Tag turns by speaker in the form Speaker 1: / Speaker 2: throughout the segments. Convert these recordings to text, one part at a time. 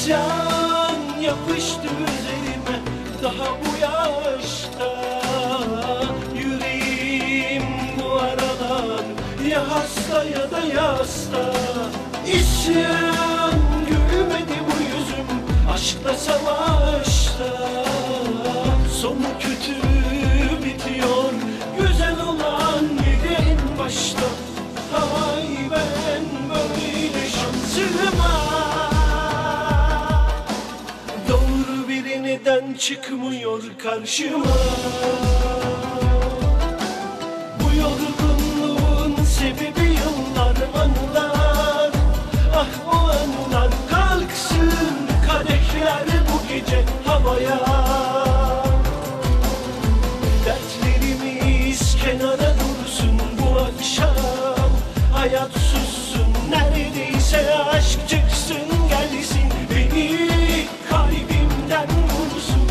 Speaker 1: İsyan yapıştı üzerime daha bu yaşta. Yüreğim bu aralar ya hasta ya da yasta. İsyan gülmedi bu yüzüm aşkla savaşta. Sonu kötü bitiyor güzel olan yedi en başta. Hay ben böyle şansıma. Doğru biri neden çıkmıyor karşıma? Bu yorgunluğun sebebi yıllar, anılar. Ah o anılar kalksın kadehler bu gece havaya. Dertlerimiz kenara dursun bu akşam. Hayat sussun neredeyse aşk çıksın gelsin. Beni kalbimden vursun.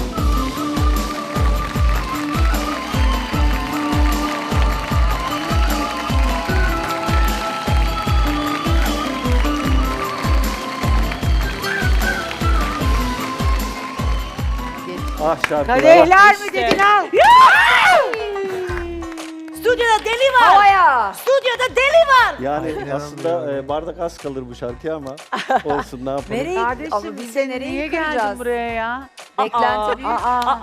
Speaker 2: Ah şarkılar.
Speaker 3: Kadehler mi dedin al?
Speaker 4: Stüdyoda deli var.
Speaker 3: Havaya.
Speaker 4: Stüdyoda deli var.
Speaker 2: Yani aslında bardak az kalır bu şarkıya ama olsun ne yapalım.
Speaker 3: Nereye?
Speaker 5: Kardeşim
Speaker 3: Ama biz
Speaker 5: sen
Speaker 3: de
Speaker 5: niye
Speaker 3: nereye
Speaker 5: geldin
Speaker 3: kıracağız?
Speaker 5: buraya ya?
Speaker 3: Beklenti büyük.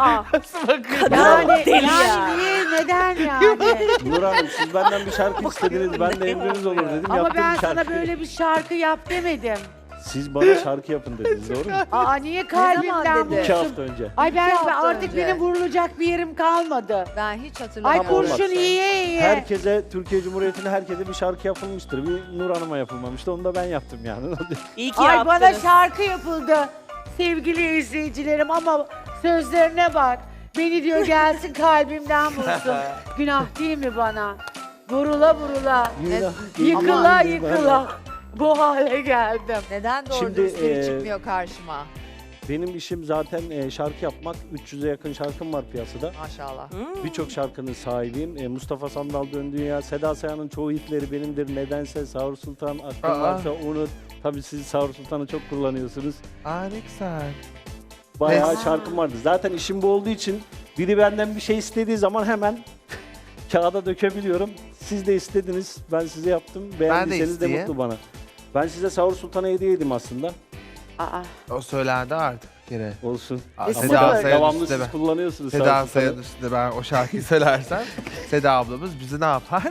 Speaker 5: Yani,
Speaker 4: Deli ya.
Speaker 5: yani niye? Neden yani?
Speaker 2: Nur Hanım siz benden bir şarkı istediniz. Ben de emriniz olur dedim.
Speaker 5: Ama
Speaker 2: Yaptım
Speaker 5: ben
Speaker 2: bir
Speaker 5: sana
Speaker 2: şarkı.
Speaker 5: böyle bir şarkı yap demedim.
Speaker 2: Siz bana şarkı yapın dediniz doğru mu?
Speaker 5: Aa niye kalbimden
Speaker 3: dedi?
Speaker 2: 2
Speaker 5: vursun?
Speaker 2: hafta önce.
Speaker 5: Ay ben
Speaker 3: hafta
Speaker 5: artık
Speaker 3: önce.
Speaker 5: benim vurulacak bir yerim kalmadı.
Speaker 3: Ben hiç
Speaker 5: Ay
Speaker 3: hatırlamıyorum.
Speaker 2: olmaz.
Speaker 5: kurşun yiye yiye.
Speaker 2: Herkese, Türkiye Cumhuriyeti'ne herkese bir şarkı yapılmıştır. Bir Nur Hanım'a yapılmamıştı. Onu da ben yaptım yani.
Speaker 4: İyi ki
Speaker 5: Ay
Speaker 4: yaptınız.
Speaker 5: bana şarkı yapıldı sevgili izleyicilerim ama sözlerine bak. Beni diyor gelsin kalbimden vursun. Günah değil mi bana? Vurula vurula, yıkıla yıkıla bu hale geldim.
Speaker 3: Neden doğru
Speaker 2: Şimdi,
Speaker 3: dürüst biri çıkmıyor karşıma?
Speaker 2: Benim işim zaten şarkı yapmak. 300'e yakın şarkım var piyasada.
Speaker 3: Maşallah.
Speaker 2: Birçok şarkının sahibiyim. Mustafa Sandal Dön Dünya, Seda Sayan'ın çoğu hitleri benimdir. Nedense Sahur Sultan, aklın varsa unut. Tabii siz Sahur Sultan'ı çok kullanıyorsunuz.
Speaker 6: Aa ne güzel.
Speaker 2: Bayağı
Speaker 6: Evet.
Speaker 2: şarkım vardı. Zaten işim bu olduğu için biri benden bir şey istediği zaman hemen kağıda dökebiliyorum. Siz de istediniz, ben size yaptım. Beğendiyseniz de
Speaker 6: isteyeyim.
Speaker 2: mutlu bana. Ben size Sahur Sultan'a hediye edeyim aslında.
Speaker 5: Aa,
Speaker 6: O söylendi artık gene.
Speaker 2: Olsun.
Speaker 6: Aa,
Speaker 2: Ama
Speaker 6: Seda Sayan
Speaker 2: devamlı
Speaker 6: üstünde
Speaker 2: siz
Speaker 6: ben.
Speaker 2: kullanıyorsunuz
Speaker 6: Seda
Speaker 2: Sahur
Speaker 6: Sayan
Speaker 2: Sultan'ı.
Speaker 6: üstünde ben o şarkıyı söylersem Seda ablamız bizi ne yapar?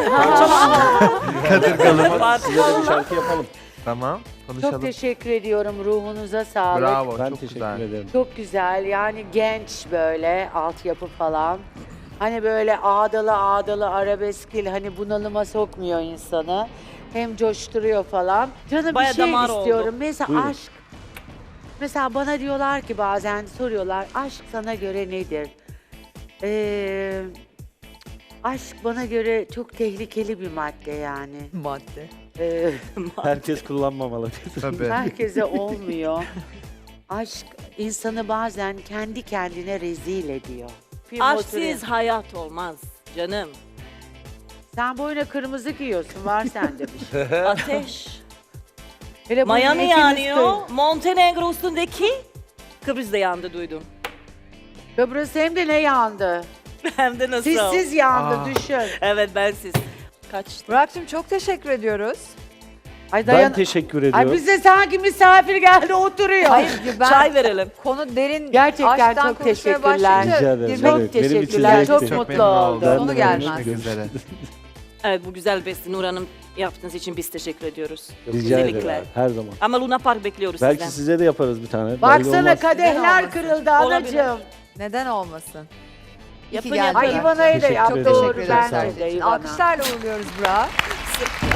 Speaker 2: Kadırgalı. Size de bir şarkı yapalım.
Speaker 6: Tamam
Speaker 5: çok
Speaker 6: konuşalım.
Speaker 5: teşekkür ediyorum ruhunuza sağlık.
Speaker 6: Bravo
Speaker 2: Ben
Speaker 6: çok
Speaker 2: teşekkür
Speaker 6: güzel.
Speaker 2: ederim.
Speaker 5: Çok güzel yani genç böyle altyapı falan. Hani böyle ağdalı ağdalı arabeskil hani bunalıma sokmuyor insanı. Hem coşturuyor falan. Canım
Speaker 4: Baya
Speaker 5: bir şey
Speaker 4: damar oldu.
Speaker 5: istiyorum. Mesela
Speaker 2: Buyurun.
Speaker 5: aşk. Mesela bana diyorlar ki bazen soruyorlar aşk sana göre nedir? Aşk bana göre çok tehlikeli bir madde yani.
Speaker 3: Madde.
Speaker 5: Ee,
Speaker 2: Herkes kullanmamalı.
Speaker 6: Tabii.
Speaker 5: herkese olmuyor. Aşk insanı bazen kendi kendine rezil ediyor.
Speaker 4: Aşksız hayat olmaz canım.
Speaker 5: Sen boyuna kırmızı giyiyorsun, var sende bir şey.
Speaker 4: Ateş.
Speaker 5: Hele bu
Speaker 4: Miami
Speaker 5: ikiniz
Speaker 4: yanıyor. Montenegro üstündeki Kıbrıs'ta yandı duydum.
Speaker 5: Kıbrıs hem de ne yandı?
Speaker 4: Hem de nasıl?
Speaker 5: Sizsiz yandı
Speaker 6: Aa.
Speaker 5: düşün.
Speaker 4: Evet bensiz. Kaçtı.
Speaker 3: Burak'cığım çok teşekkür ediyoruz.
Speaker 5: Ay
Speaker 2: Ben teşekkür ediyorum.
Speaker 5: Ay bize sanki misafir geldi oturuyor.
Speaker 3: Hayır ben
Speaker 4: Çay verelim.
Speaker 3: konu derin
Speaker 5: Gerçekten
Speaker 3: aşktan
Speaker 5: çok
Speaker 3: konuşmaya
Speaker 5: teşekkürler.
Speaker 3: başlayınca
Speaker 2: Rica ederim.
Speaker 3: girmek-
Speaker 5: Çok
Speaker 2: Evet, benim için
Speaker 5: teşekkürler,
Speaker 2: zevkti.
Speaker 5: çok
Speaker 6: Çok
Speaker 5: mutlu
Speaker 6: memnun oldum.
Speaker 5: oldum.
Speaker 2: Ben de
Speaker 3: Sonu
Speaker 2: memnun
Speaker 3: gelmez.
Speaker 2: oldum.
Speaker 6: Üzere.
Speaker 4: Evet bu güzel besti Nur Hanım yaptığınız için biz teşekkür ediyoruz.
Speaker 2: Rica
Speaker 4: Özellikle.
Speaker 2: ederim. Her zaman.
Speaker 4: Ama Luna Park bekliyoruz
Speaker 2: Belki
Speaker 4: sizden.
Speaker 2: size de yaparız bir tane. Belli
Speaker 5: Baksana
Speaker 2: olmaz.
Speaker 5: kadehler
Speaker 3: Olmasın.
Speaker 5: kırıldı
Speaker 4: Olabilir.
Speaker 5: anacığım.
Speaker 3: Neden olmasın? İyi ki
Speaker 4: Yapın,
Speaker 3: geldin.
Speaker 4: yapın.
Speaker 5: Ay İvana'yı da
Speaker 2: Teşekkür
Speaker 5: yap
Speaker 2: ederim.
Speaker 5: doğru
Speaker 3: Teşekkür ederim.
Speaker 5: bence de İvana.
Speaker 3: Alkışlarla uğurluyoruz Burak'ı.